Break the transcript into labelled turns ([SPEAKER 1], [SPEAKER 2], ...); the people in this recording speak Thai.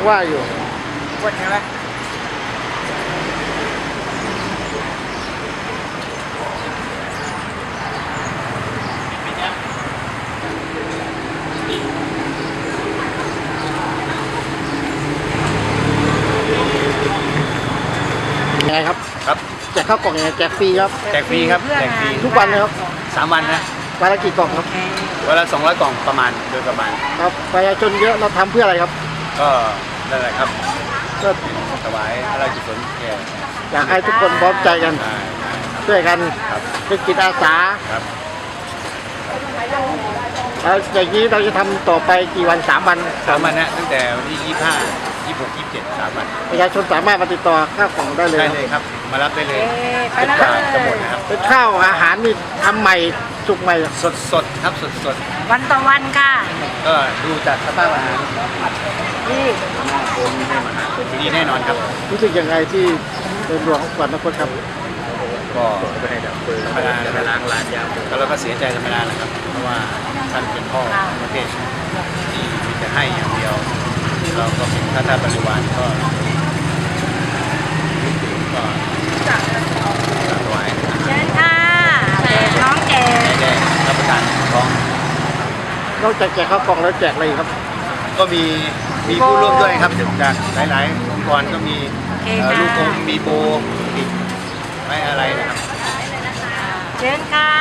[SPEAKER 1] ว่าอยู่
[SPEAKER 2] ปวดใช่ไหม
[SPEAKER 1] ยังไงครับ
[SPEAKER 3] ครับ
[SPEAKER 1] แจกข้าวกล่องยังไงแจกฟรีครับ
[SPEAKER 3] แจกฟรีครับแจกฟรี
[SPEAKER 1] ทุกวันเลยครับ
[SPEAKER 3] 3 วันนะ
[SPEAKER 1] วันละกี่กล่องครับ
[SPEAKER 3] วันละ200 กล่องประมาณโดยประมาณ
[SPEAKER 1] ครับประชาชนเยอะเราทำเพื่ออะไรครับ
[SPEAKER 3] ก็นั่นแหละครับ
[SPEAKER 1] ก็
[SPEAKER 3] ถวายพระราชกุศลแก่
[SPEAKER 1] อยากให้ทุกคนพร้อมใจกัน
[SPEAKER 3] ได้
[SPEAKER 1] ช่วยกัน
[SPEAKER 3] ครับ
[SPEAKER 1] เป็นจิตอาสา
[SPEAKER 3] ครับ
[SPEAKER 1] แล้วอย่างนี้เราจะทำต่อไปกี่วัน3 วัน
[SPEAKER 3] 3 วันนะตั้งแต่วันที่ 25 26 27 3 วัน
[SPEAKER 1] ประชาชนสามารถมาติดต่อข้าวกล่องได้เลย
[SPEAKER 3] ได้เลยครับ มารับได้เลย
[SPEAKER 2] ไป
[SPEAKER 3] เป็น
[SPEAKER 2] แล้ว
[SPEAKER 3] ปลาจะหมดนะครับ
[SPEAKER 1] เป็นข้าวอาหารนี่ทำใหม่สุกใหม่
[SPEAKER 3] สดครับสด
[SPEAKER 2] วันต่อวันค่ะ
[SPEAKER 3] ๆก็ดูจากสภาพอาหาร
[SPEAKER 2] นี่
[SPEAKER 3] ดีแน่นอนครับ
[SPEAKER 1] รู้สึกยังไงที่เป็นหลวงของขวัญนครครับ
[SPEAKER 3] ก็ธรรมดาไปล้างร้านยาแล้วเราก็เสียใจธรรมดาแหละครับ เพราะว่าท่านเป็นพ่อประเทศที่มีแต่ให้อย่างเดียว เราก็เป็นข้าทาสบริวารก็ถวายอาหาร
[SPEAKER 2] เชิญค่ะแจกน้องแจก
[SPEAKER 3] ได้รับประทานท้อง
[SPEAKER 1] นอกจากแจกข้าวกล่องแล้วแจกอะไรอีกครับ
[SPEAKER 3] ก็มีผู้ร่วมด้วยครับจากหลายๆองค์กรก็มีลูกอมมีโบอีกไม่อะไรนะครับ
[SPEAKER 2] เชิญค่ะ